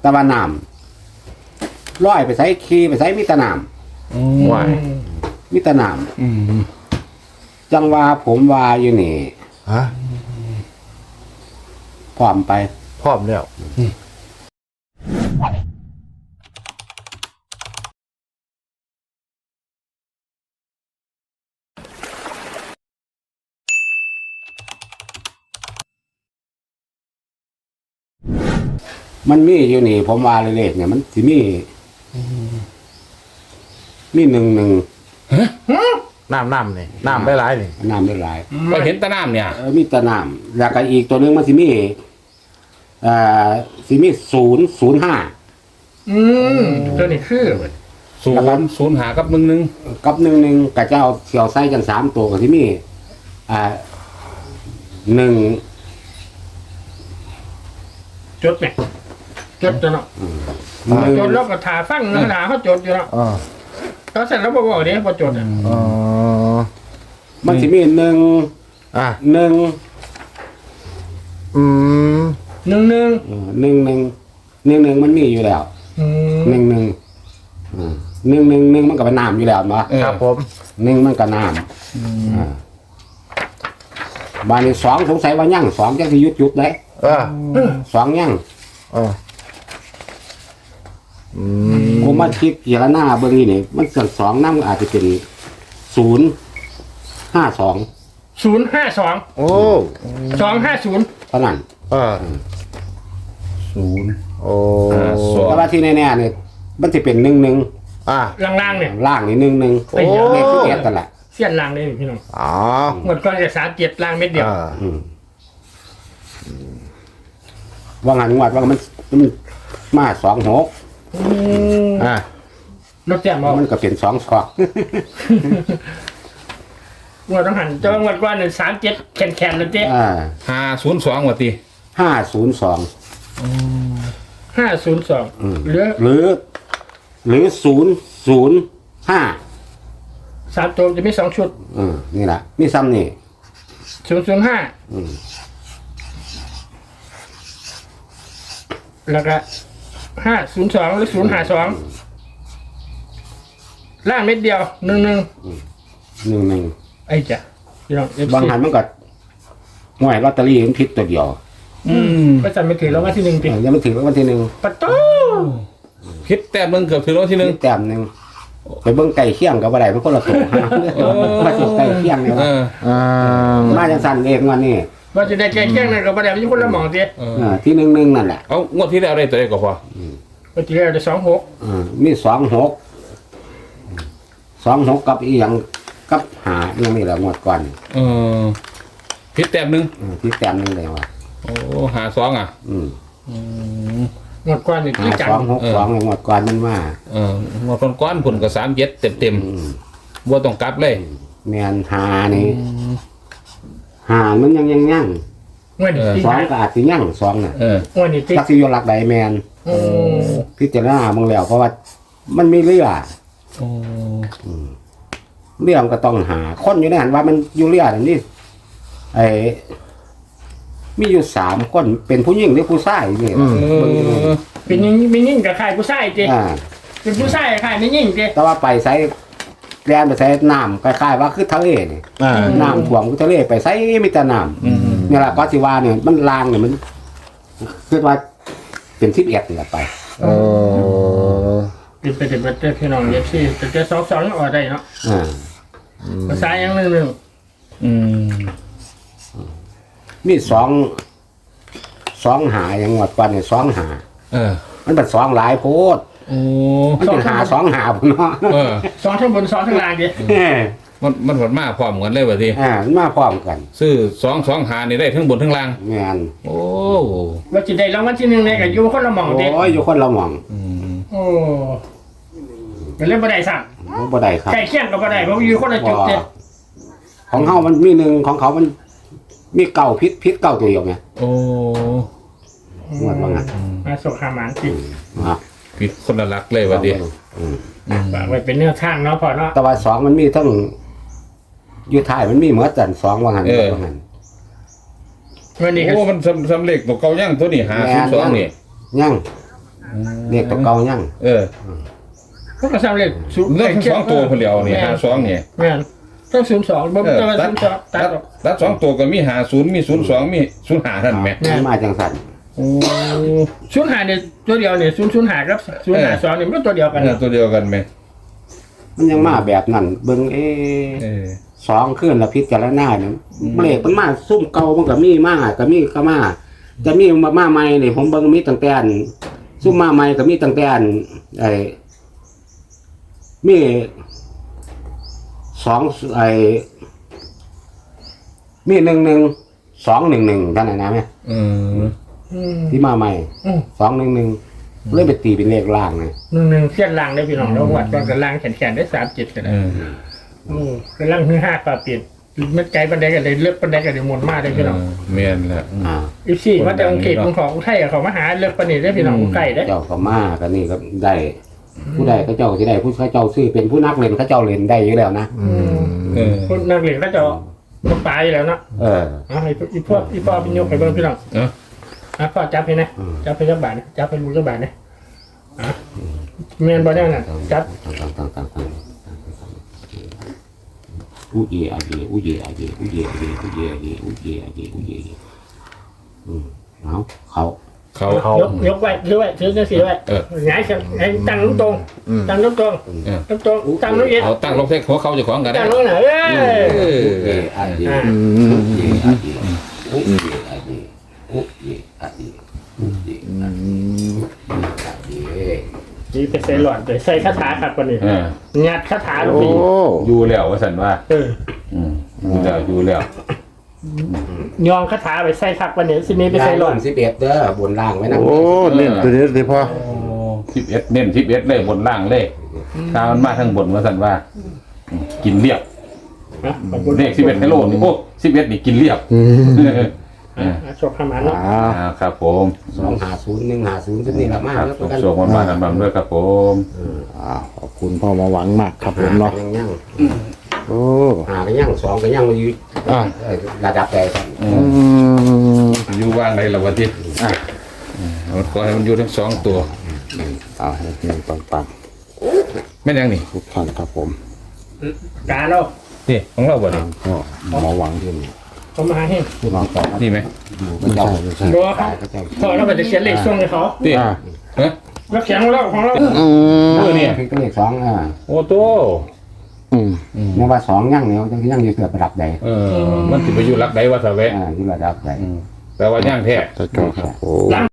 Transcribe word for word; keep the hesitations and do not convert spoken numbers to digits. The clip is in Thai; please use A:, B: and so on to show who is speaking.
A: ตะวันน้ำร้อยไปใส่ขี้ไปใส่มิตรน้ำ
B: วาย
A: มิตรน้ำจังว่าผมว่าอยู่นี่
B: ฮะ
A: พร้อมไป
B: พร้อมแล้ว
A: มันมีอยู่นี่ ผมว่าเลขเนี่ยมันสิมีมีหนึ่งหนึ่ง
B: น้ำน้ำนี่น้ำได้หลายนี่
A: น้ำได้หลาย
C: ก็เห็นแตะน้ำเนี่ย
A: เออมีแตะน้ำแล้วก็อีกตัวหนึงมันสิมีเอ่อสิมีศูนย์ศูนย์ห้า
D: อืมตัวนี้คือเว้ย
C: ศูนย์ศูนย์หากับหนึ่งหนึ่ง
A: กับหนึ่งหนึ่งกับเจ้าเสี่ยวไส้กันสามตัวกับที่มีอ่าหนึ่ง
D: จดไหมจดตัวเนาะ
A: หนึ่ง
D: จดแล้วก็ถาฟังเนื้อหาเขาจดอยู่เนาะ
B: อ๋อ
D: เขาเสร็จแล้วบอกว่าเดี๋ยวพอจดอ่ะ
B: อ๋อ
A: มันสิมีหนึ่ง
B: อ่ะ
A: หนึ่ง
B: อืม
D: หนึ่งหนึ่ง
A: เอ่อหนึ่งหนึ่งหนึ่งหนึ่งมันมีอยู่แล้ว
D: อืม
A: หนึ่งหนึ่งอ่าหนึ่งหนึ่งหนึ่งมันก็เป็นน้ำอยู่แล้วเนาะ
B: ครับผม
A: หนึ่งมันก็น้ำอ่าบานนี้สองสงสัยว่ายั่งสองจะสิยุดยุดได้
B: เออ
A: สองยั่ง
B: เอออืม
A: ผมมาคิดเกี่ยวหน้าเบอร์นี้นี่มันเกิดสองน้ำอาจจะเป็นศูนย์ห้าสอง
D: ศูนย์ห้าสอง
B: โอ้
D: สองห้าศูนย์
A: เท่านั้น
B: เออ
C: ศูนย์
B: โอ้
C: อ่าสอง
A: แต่ว่าที่แน่ๆเนี่ยมันจะเป็นหนึ่งหนึ่ง
B: อ่ะ
D: ล่างๆเนี่ย
A: ล่างนี่หนึ่งหนึ่ง
D: โอ้
A: เลขที่เอ็ดกันแหละ
D: เสี้ยนล่างเลยพี่น้อง
B: อ๋อ
D: หมดก่อนจะสามเจ็ดล่างเม็ดเดียว
B: เออ
A: อืมว่างันงวดว่ามันมันมาสองหก
D: ม
B: อ่ะ
D: รถแจ่มบอก
A: มันก็เป็นสองสอง
D: งวดต้องหันเจ้างวดก่อนเนี่ยสามเจ็ดแข็งแข็งเลยเจ๊
A: อ่า
C: ห้าศูนย์สองว่ะตี
A: ห้าศูนย์สอง
D: ห้าศูนย์สองเหลือ
A: หรือ หรือศูนย์ศูนย์ห้า
D: สามตัวจะมีสองชุด
A: อืมนี่แหละนี่ซ้ำนี่
D: ศูนย์ศูนย์ห้า
A: อืม
D: แล้วก็ห้าศูนย์สองหรือศูนย์ห้าสองล่างเม็ดเดียวหนึ่งหนึ่ง
A: หนึ่งหนึ่ง
D: ไอ้จ้ะพี่น้อง
A: บางหันมันก็ห่วยลอตเตอรี่มันผิดตัวเดียว
C: อืม
D: ก็จะไม่ถือแล้วว่าที่หนึ่ง
A: เอ
D: ปี
A: อยังไม่ถึงวันที่หนึ่ง
D: ปะโต้
C: คิดแต้มหนึงเกือบถึงแล้วที่หนึ่ง
A: มีแต้มหนึ่งไปเบิ้งไก่เคี่ยงกับอะไรมันคนละตัวฮะมาจุดไก่เคี่ยงเนี่ย
C: เอ
A: วะ
C: อ
B: อ่า
A: มาจังสันเองวันนี้
D: ว่าจะได้แก้แก้งนั่นกับประเดี๋ยวมีคนละหมองเดีย
C: เออ
A: เออที่หนึ่งหนึ่งนั่นแหละ
C: เอางวดที่แล้วได้ตัวเลขก็พอ
D: ว่าจะได้สองหก
A: เออมีสองหกสองหกกับอีหยังกับหาเรื่องนี้แหละงวดก่อน
C: เออคิดแต้มหนึง
A: เออที่แต้มหนึงเลยว่ะ
C: โอ้หาสองอ่ะ
A: อืม
C: อืม
D: หมดกว่านี่
A: หา
D: ที่จัง
A: สองหกสองเลยงวดก่อนมันมา
C: เอองวดก้อนๆผลกับสามเจ็ดเต็มเต็ม
A: อืม
C: ๆบัวต้องกลับเลย
A: แมนหานี่หามันยังยังยัง
D: เงินที่
A: สอง
D: หา
A: ก็อาจจะยังสองน่ะ
C: เออ
D: เงินนี่ที่
A: ลักษิโยหลักใดแมน
D: โอ้
A: พิจารณามึงแล้วเพราะว่ามันมีเรือ
C: โอ้
A: เรือมันก็ต้องหา คนอยู่ในหันว่ามันอยู่เรืออันนี้ไอ้มีอยู่สามคนเป็นผู้หญิงหรือผู้ชายนี่
C: เออ
D: เป็นยิ่งเป็นยิ่งกับใครผู้ชายเจ๊
A: อ่า
D: เป็นผู้ชายใครไม่ยิ่งเจ๊
A: แต่ว่าไปใส่แลนไปใส่น้ำคล้ายๆว่าคือทะเลนี่
B: อ่า
A: น้ำท่วมคือทะเลไปใส่มีแต่น้
C: อืม
A: ำนี่แหละก็สิว่าเนี่ยมันลางเนี่ยมันคือว่าเป็นทิพย์เอ็ดนี่แหละไป
B: เออ
D: เป็นไปเด็ดเด็ดพี่น้องเย็บซี่แต่จะสองสองออกได้เนาะ
A: อ่า
D: ภาษาอย่างหนึ่งหนึ่ง
C: อืม
A: มีสองสองหาอย่างงวดก่อนเนี่ยสองหา
C: เออ
A: มันเป็นสองหลายโพด
C: โอ้
A: มันเป็นหาสองหาพุ่นเนาะ
C: เออ
D: สองทั้งบนสองทั้งล่างเจ๊
A: เออ
C: มันมันผลมาพร้อมกันเลยว่ะที
A: อ่ามันมาพร้อมกัน
C: ซื้อสองสองหานี่ได้ทั้งบนทั้งล่าง
A: แม่น
C: โอ้
D: ว่าจะได้รางวัลที่หนึ่งในกับยูคนละหมองเจ๊
A: โอ้ยอยู่คนละหม่อง
C: อืม
D: โอ้เป็นเรื่องบันไดสั่ง
A: บ่ได้ครับ
D: ใกล้เคียงกับบันไดเพราะยูคนละจุดเจ๊
A: ของเฮามันมีหนึ่งของเขามันมีเก่าพิษพิษเก่าตัวเดียวไง
C: โอ้
A: งวดว่างั้น
D: มาส่งหาหมานจิ
A: อ่ะ
C: ผิดคนละลักเลยว่ะที
A: อืม
C: อืม
D: ฝากไว้เป็นเนื้อข้างเนาะพอเนาะ
A: แต่ว่าสองมันมีทั้งอยู่ท้ายมันมีเหมือนกันสองว่างั้นว่างั้น
D: วันนี้ก็
C: โอ้มันสำสำเร็จตัวเก่ายังตัวนี้หาศูนย์สองนี่
A: ยังเลขตัวเก่ายัง
C: เออ
D: พวกกระซับเลขศูนย์
C: เรื่องทั้งสองตัวคนเดียวนี่หาสองนี่
D: แม่นต้องศูนย์สองบ่
C: เออ
D: ต้อง
C: ตัด
D: ศูนย์สองตั
C: ตั
D: ด
C: ด
D: ออก
C: ตัดสองตัวก็มีหาศูนย์มีศูนย์สองมีศูนย์หาท่านแม่
A: มันมาจังสัน
C: โอ้
D: ศูนย์หาเนี่ยตัวเดียวเนี่ยศูนย์ศูนย์หากับศูนย์หาสองเนี่ยมันตัวเดียวกัน
C: เออตัวเดียวกันไหม
A: มันยังมาแบบนั้นเบิ่งเอ๊
C: เอะ อ
A: สองขึ้นละพิจารณาเนี่ยเลขมันมาซุ่มเก่ามันก็มีมาก็มีก็มาจะมีมามาใหม่นี่ผมเบิ่งมีตั้งแต่อันซุ่มมาใหม่ก็มีตั้งแต่อันไอ้มีสองไอ้มีหนึ่งหนึ่งสองหนึ่งหนึ่งท่านไหนนะแม่
C: อืม
D: อืม
A: ที่มาใหม่
D: อืม
A: สองหนึ่งหนึ่งเลยไปตีเป็นเลขล่างเลย
D: หนึ่งหนึ่งเส้นล่างได้พี่น้องแล้ววัดตอนกันล่างแขนแขนได้สามเจ็ดกัน
C: เอ
D: นะ
C: อ
D: อืมกันล่างคือห้าปลาเปลี่ยนเม็ดไก่ปันไดกันเลยเลือกปันไดกันเลยหมดมากเลยพี่น้อง
C: เมียนแหละ
A: อ่า
D: อีซี่มาแต่อังกฤษของของไทยกับเขามาหาเลือกปันนี่ได้พี่น้องไก่ได้
A: เจ้าก็มาก็นี่ก็ได้ ผู้ใดก็เจ้าที่ได้ผู้เขาเจ้าซื้อเป็นผู้นักเล่นเขาเจ้าเล่นได้อยู่แล้วนะ
C: เออ
D: คนนักเรียนก็จะมาตายแล้วเนาะ
A: เออ
D: เอาให้อีพวกอีพ่อพี่ยกไปเบิ่งพี่น้อง
C: เนาะ
D: อ่ะพ่อจับให้นะ
A: อืม
D: จับไปจักบาทนะจับไปรู้จักบาทนะอ่ะเมียนบ่ได้น่ะจับ
A: ต่างต่างต่างต่างอุเยอาเยอุเยอาเยอุเยอาเยอุเยอาเยอุเยอาเยอุเยอาเยอืมเอาเขา
C: เขา
B: เขา
D: ยกยกไว้ถือไว้ถือจังซี่ไว้
C: เออ
D: หงายขึ้นให้ตั้งลงตรงตั้งลงตรง
C: เออ
D: ลงตรงตั้งลงเย็น
C: เอาตั้งลงเทคหัวเขาเจะของกันได้
D: ตั้งลงน่ะเอ้ย
C: เออ
A: อุเยอาเย
D: อ่า
A: อุเยอาเยอุเยอาเยอุเยอาเยอุเยอาเย
D: นี่ไปใส่หลอดไปใส่คาถาครับกว่านี้
C: เออ
D: งัดคาถาลง
B: โอ้
D: ไปอีก
C: อยู่แล้วว่าสันว่า
D: เออ
C: อืมอยู่แล้วอยู่แล้ว
D: ยองคาถาไปใส่คักกว่านี้สิมีไปใส่หลอด
A: สิบเอ็ดเด้อบนล่างไว้นะ
B: โอ้เน้นตัวนี้สิพ่อ
C: สิบเอ็ดเน้นสิบเอ็ดเลยบนล่างเลยถ้ามันมาทั้งบนว่าสันว่าอืมกินเรียบ
D: นะขอบคุณ
C: เลขสิบเอ็ดให้โลนี่โอ้สิบเอ็ดนี่กินเรียบ
B: อืม
C: เออ
D: อ่ะชอบขมันเนาะ
B: อ่า
C: อ่าครับผม
A: สองหาศูนย์หนึ่งหาศูนย์ก็นี่ละมาก
C: ครับ
A: แล้ว
C: ส่ง
A: กัน
C: ส่งมันมากันบังด้วยครับผม
B: อ่าขอบคุณพ่อมาหวังมากครับผมเนาะ
A: ยังยัง
B: โอ้
A: หาก็ยังสองก็ยังอยู่
B: อ่า
A: เอ่อระดับใดครับ
C: อื
B: อื
C: ม
B: ม
C: อยู่ว่างในละวันที่
B: อ่ะ
C: มันขอให้มันอยู่ทั้งสองตัว
B: เอาให้เงินปัง
C: แม่นยังนี่
B: ๆทุกท่านครับผม
D: กาเรา
C: นี่ของเราบ่นี่
B: ก็หมอหวังที่
D: เขามาให้
A: ผู้น้องต่อ
C: นี่ไหม
A: อยู่ก็
B: ไม่
A: เจ้า
B: ใช่ไม่ใช่
D: บัวค
A: ตา
D: รับ
A: ยก็เจ้า
D: พอเราไปจะเขียนเลขช่วงให้เขา
C: นี่
B: อ่า
C: เฮ้ย
D: แล้วเขียนของเราของเรา
B: อืม
C: เออเนี่ย
A: คือเลขสองอ่า
C: โอ้โต
B: อืม
A: เนี่ยว่าสองยังเนี่ยยังยังอยู่เกือบระดับใด
C: เออมันสิไปอยู่รักใดวะสะแวะ
A: อ่าอยู่ระดับใด
C: อืมแต่ว่าย่างแท้
B: แต่ก็ครับโอ้
D: หลัง